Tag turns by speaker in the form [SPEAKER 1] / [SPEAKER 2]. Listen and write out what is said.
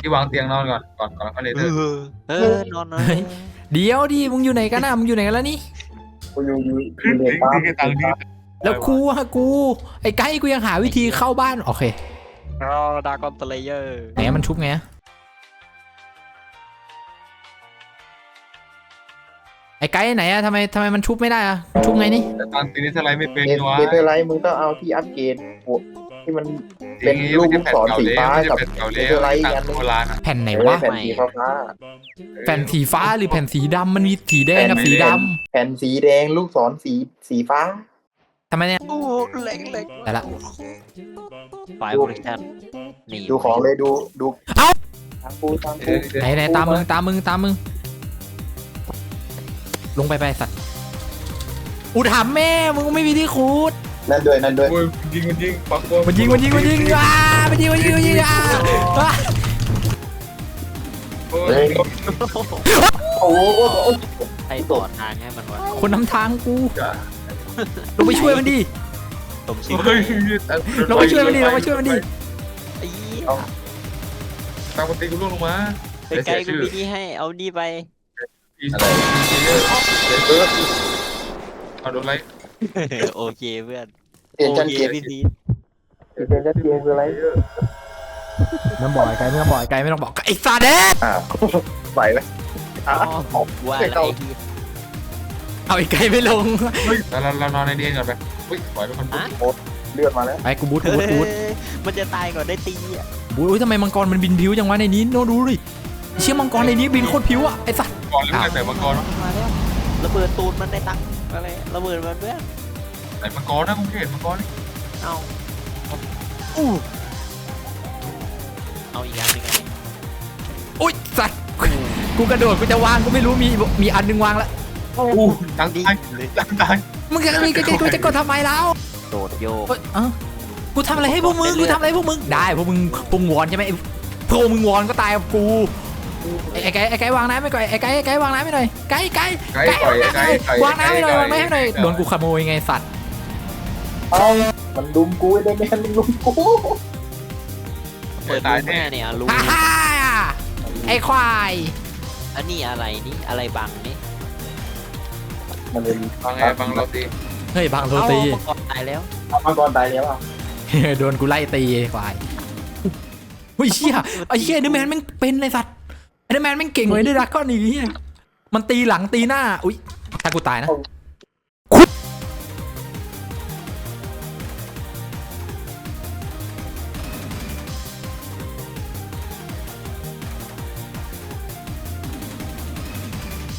[SPEAKER 1] ที่วางเตียงนอนก่อนเขาเลย
[SPEAKER 2] เอ
[SPEAKER 1] เถอะ
[SPEAKER 2] นอนนอน
[SPEAKER 3] เดี๋ยวดิมึงอยู่ไหนกันนะมึงอยู่ไหนกันแล้วนี่
[SPEAKER 4] กูอยู่ในปั๊ม
[SPEAKER 1] ตังค์ที่
[SPEAKER 3] แล้วกูไอ้ไก่กูยังหาวิธีเข้าบ้านโอเค
[SPEAKER 2] เราดากอนสเลเยอร์
[SPEAKER 3] ไหนมันชุบไงไอ้ไก่ไหนอะทำไมมันชุบไม่ได้อะชุบไงนี่
[SPEAKER 1] แต่ตังค์ทีนี้สไลด์ไม่เป็น
[SPEAKER 4] เน
[SPEAKER 1] วะ
[SPEAKER 4] เธอร์ไลท์มึงต้องเอาที่อัปเกรดที่มันเป็นลูกศรสีฟ้ากับ
[SPEAKER 1] เก่า
[SPEAKER 4] เน
[SPEAKER 1] แล้
[SPEAKER 4] เธอ
[SPEAKER 1] ว
[SPEAKER 4] ร์ไลท์
[SPEAKER 1] ตัง
[SPEAKER 4] กัน
[SPEAKER 1] ค์โบราณ
[SPEAKER 3] แผ่นไหน
[SPEAKER 4] เออ
[SPEAKER 3] วะ
[SPEAKER 4] แผ่นสีฟ้า
[SPEAKER 3] แผ่นสีฟ้าหรือแผ่นสีดำมันมีสีแดงกับสีด
[SPEAKER 4] แผ่นสีแดงลูกศรสีฟ้า
[SPEAKER 3] ำทำไมเนี่ย
[SPEAKER 2] โอ้เล็ก
[SPEAKER 3] แต่ละ
[SPEAKER 2] ไฟล์โปรดักชั่นนี่
[SPEAKER 4] ดูของเลยดู
[SPEAKER 3] เอ้า
[SPEAKER 4] ทางกู
[SPEAKER 3] ไหนตามมึงลงไปสัตว์อุถามแม่มึงไม่มีที่คูด
[SPEAKER 4] นั่นด้วย
[SPEAKER 1] โอ้ยยิงปัก
[SPEAKER 3] มันยิงมันยิงมันยิงอ่ะอ่ะ
[SPEAKER 1] โอ้
[SPEAKER 4] เฮ้
[SPEAKER 1] ย
[SPEAKER 4] ยโอ้โห
[SPEAKER 2] ให้ต่อทางให้มันวะ
[SPEAKER 3] คนนำทางกูลงไปช่วยมันดิ
[SPEAKER 2] สมชิม
[SPEAKER 1] เฮ้ย
[SPEAKER 3] ลงไปช่วยมันดิ
[SPEAKER 2] ไอ้
[SPEAKER 1] ตังค์มันตีกูล่วงลงมา
[SPEAKER 2] ไปไกลกูมีนี่ให้เอานี่ไป
[SPEAKER 1] เอาโดนไล่
[SPEAKER 2] โอเคเพื่อน
[SPEAKER 4] เปลี่ยน
[SPEAKER 2] โอ
[SPEAKER 4] จัน
[SPEAKER 2] เค
[SPEAKER 4] เกียร์
[SPEAKER 2] พี่พี
[SPEAKER 4] เปลี่ยนจันเกียร์คืออะไร
[SPEAKER 3] ไม่ต้องบอกไอ้ไก่ไม่ต้องบอกไอ้ไก่ไม่ต้องบอกไอ้ซาเดส
[SPEAKER 4] อ้าวไหวไหม
[SPEAKER 2] ว่าอะไร
[SPEAKER 3] เอาไอ้ไก่ไม่ลง
[SPEAKER 1] เฮ้ยเรานอนในนี้ก่อนไปเฮ้ยปล่อยไปคนปุ๊บ
[SPEAKER 4] เลือดมาแล้ว
[SPEAKER 3] ไอ้กูบูท
[SPEAKER 2] มันจะตายก่อนได้ตีอ่ะ
[SPEAKER 3] บูททำไมมังกรมันบินผิวจังวะในนี้โน้ดูดิเชี่ยมังกรในนี้บินโคตรผิวอ่ะไอ้สัส
[SPEAKER 1] ก่อนหรือไม่แต่มังกร
[SPEAKER 2] มาแล้วระเบิดตูนมันได้ตังค์อะไรระเบิดมันเพื่อน
[SPEAKER 1] ไหนมังกรนะคุณเห็นมังกร
[SPEAKER 2] เอาเอาอีกอันหนึ่งไง
[SPEAKER 3] อุ้ยสัสกูกระโดดกูจะวางกูไม่รู้มีอันนึงวางแล้ว
[SPEAKER 1] อู้ตังค์ตายตังค์ตาย
[SPEAKER 3] มึงจะมีกูจะกดทำไมแล้ว
[SPEAKER 2] โดดโยก
[SPEAKER 3] กูทำอะไรให้พวกมึงได้พวกมึงวอนใช่ไหมพวกมึงวอนก็ตายกับกูไอ้ไก่วางน้ำไม่ก่อนไอ้ไก่วางน้ำไม่หน่อยไก่วางน้ำไม่หน่อยวางน้ำให้หน่อยโดนกูขโมยไงสัตว์
[SPEAKER 4] เอามันลุมกูได้แมนมันลุมกู
[SPEAKER 2] เปิดรูแม่เนี่ยรู
[SPEAKER 3] ฮ่าไอ้ควาย
[SPEAKER 2] อันนี้อะไรนี่อะไรบังนี่
[SPEAKER 4] มันเป็น
[SPEAKER 1] บังไงบังเราตี
[SPEAKER 3] เฮ้ยบางโรตี
[SPEAKER 2] ก่อนตายแล้ว
[SPEAKER 4] มังกรตายแล้วอ่ะ
[SPEAKER 3] โดนกูไล่ตีไอ้ควายเฮ้ยเชี่ยไอ้เชี่ยเดอร์แมนแม่งเป็นเลยสัตว์เดอร์แมนแม่งเก่งเลยด้วยรักก้อนนี้มันตีหลังตีหน้าอุ้ยถ้ากูตายนะ